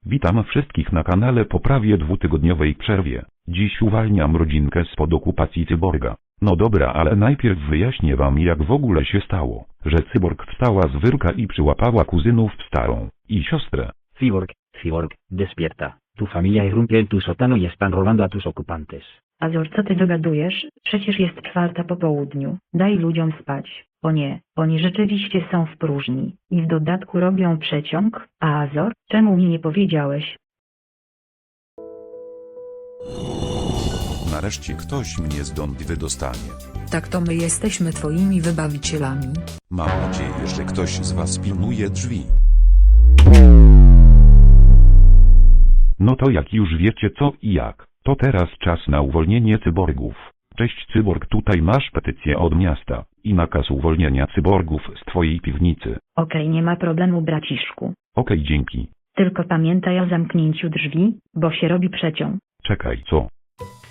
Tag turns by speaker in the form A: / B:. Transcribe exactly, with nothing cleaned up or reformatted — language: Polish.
A: Witam wszystkich na kanale po prawie dwutygodniowej przerwie. Dziś uwalniam rodzinkę spod okupacji cyborga. No dobra, ale najpierw wyjaśnię wam, jak w ogóle się stało, że cyborg wstała z wyrka i przyłapała kuzynów starą i siostrę.
B: Cyborg, cyborg, despierta. Tu familia irrumpió en tu sótano y están robando a tus ocupantes.
C: Azor, co ty dogadujesz? Przecież jest czwarta po południu. Daj ludziom spać. O nie, oni rzeczywiście są w próżni. I w dodatku robią przeciąg. A Azor, czemu mi nie powiedziałeś?
A: Nareszcie ktoś mnie stąd wydostanie.
D: Tak to my jesteśmy twoimi wybawicielami.
A: Mam nadzieję, że ktoś z was pilnuje drzwi. No to jak już wiecie co i jak, to teraz czas na uwolnienie cyborgów. Cześć cyborg, tutaj masz petycję od miasta i nakaz uwolnienia cyborgów z twojej piwnicy.
C: Okej, nie ma problemu, braciszku.
A: Okej, dzięki.
C: Tylko pamiętaj o zamknięciu drzwi, bo się robi przeciąg.
A: Czekaj, co?